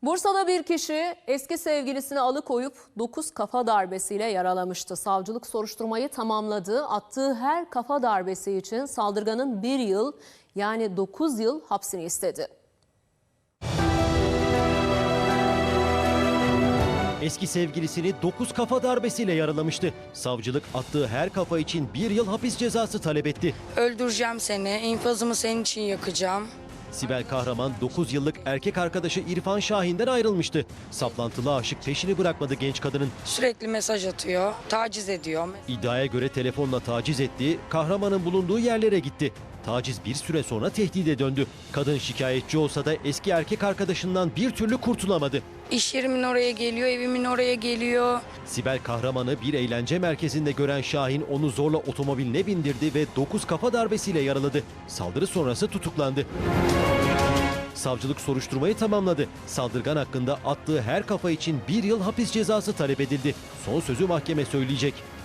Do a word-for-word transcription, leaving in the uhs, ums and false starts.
Bursa'da bir kişi eski sevgilisini alıkoyup dokuz kafa darbesiyle yaralamıştı. Savcılık soruşturmayı tamamladı. Attığı her kafa darbesi için saldırganın bir yıl yani dokuz yıl hapsini istedi. Eski sevgilisini dokuz kafa darbesiyle yaralamıştı. Savcılık attığı her kafa için bir yıl hapis cezası talep etti. Öldüreceğim seni, infazımı senin için yakacağım. Sibel Kahraman dokuz yıllık erkek arkadaşı İrfan Şahin'den ayrılmıştı. Saplantılı aşık peşini bırakmadı genç kadının. Sürekli mesaj atıyor, taciz ediyor. İddiaya göre telefonla taciz ettiği, Kahraman'ın bulunduğu yerlere gitti. Taciz bir süre sonra tehdide döndü. Kadın şikayetçi olsa da eski erkek arkadaşından bir türlü kurtulamadı. İş yerimin oraya geliyor, evimin oraya geliyor. Sibel Kahraman'ı bir eğlence merkezinde gören Şahin onu zorla otomobiline bindirdi ve dokuz kafa darbesiyle yaraladı. Saldırı sonrası tutuklandı. Savcılık soruşturmayı tamamladı. Saldırgan hakkında attığı her kafa için bir yıl hapis cezası talep edildi. Son sözü mahkeme söyleyecek.